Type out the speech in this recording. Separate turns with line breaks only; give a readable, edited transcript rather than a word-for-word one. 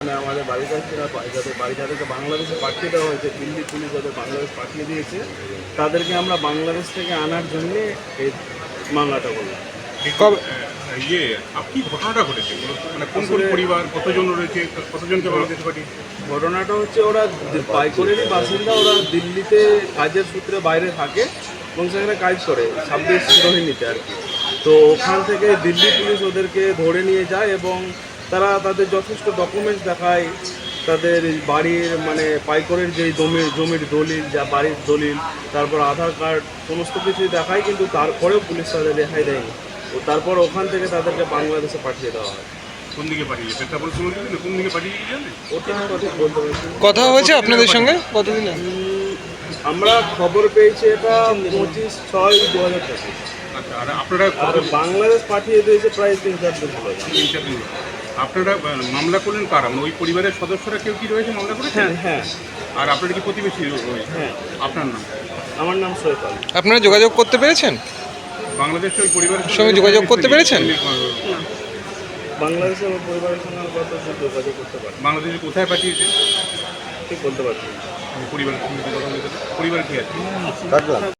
মানে আমাদের বাড়ির কাছে যাদের যাদেরকে বাংলাদেশে পাঠিয়ে দেওয়া হয়েছে, দিল্লি পুলিশ যাদের বাংলাদেশ পাঠিয়ে দিয়েছে, তাদেরকে আমরা বাংলাদেশ থেকে আনার জন্যে এই মামলাটা করলাম।
কবে আপনি ঘটনাটা ঘটেছে মানে কোন কোন পরিবার কতজন রয়েছে, কতজনকে বাংলাদেশে পাঠিয়েছে?
ঘটনাটা হচ্ছে ওরা পাইকরেরই বাসিন্দা, ওরা দিল্লিতে কাজের সূত্রে বাইরে থাকে এবং সেখানে কাজ করে 26 রোহিণীতে আর কি। তো ওখান থেকে দিল্লি পুলিশ ওদেরকে ধরে নিয়ে যায় এবং তারা তাদের যথেষ্ট ডকুমেন্টস দেখায়, তাদের বাড়ির মানে পাইকরের যে জমির দলিল, যা বাড়ির দলিল, তারপর আধার কার্ড, সমস্ত কিছুই দেখায়, কিন্তু তারপরেও পুলিশ তাদের রেহাই দেয়নি। তো তারপর ওখান থেকে তাদেরকে বাংলাদেশে পাঠিয়ে দেওয়া হয়।
কোন দিকে পাঠিয়েছে পেট্রাপোল সময় কোন দিকে পাঠিয়েছে জানেন?
ওটা ঠিক বলতে পারছি না।
কথা হয়েছে আপনাদের সঙ্গে কতদিন আগে?
আমরা খবর পেয়েছি এটা 25/6/2025।
আচ্ছা, আর আপনারা
আর বাংলাদেশ পাঠিয়ে দিয়েছে প্রায় 3-4 দিন হলো।
3-4 দিন আপনারা মামলা করলেন কারা? মানে ওই পরিবারের সদস্যরা কেউ কি রয়েছে মামলা করেছেন?
হ্যাঁ হ্যাঁ
আর আপনারা কি প্রতিবেশী রয়েছে?
হ্যাঁ।
আপনার নাম?
আমার নাম সৈকত।
আপনারা যোগাযোগ করতে পেরেছেন?
বাংলাদেশের ওই পরিবারের
সঙ্গে যোগাযোগ করতে পেরেছেন?
বাংলাদেশের ওই পরিবারের সঙ্গে আমরা কত যোগাযোগ করতে পারি,
বাংলাদেশে কোথায় পাঠিয়েছে
ঠিক বলতে পারছি না।
পরিবার কি আছে?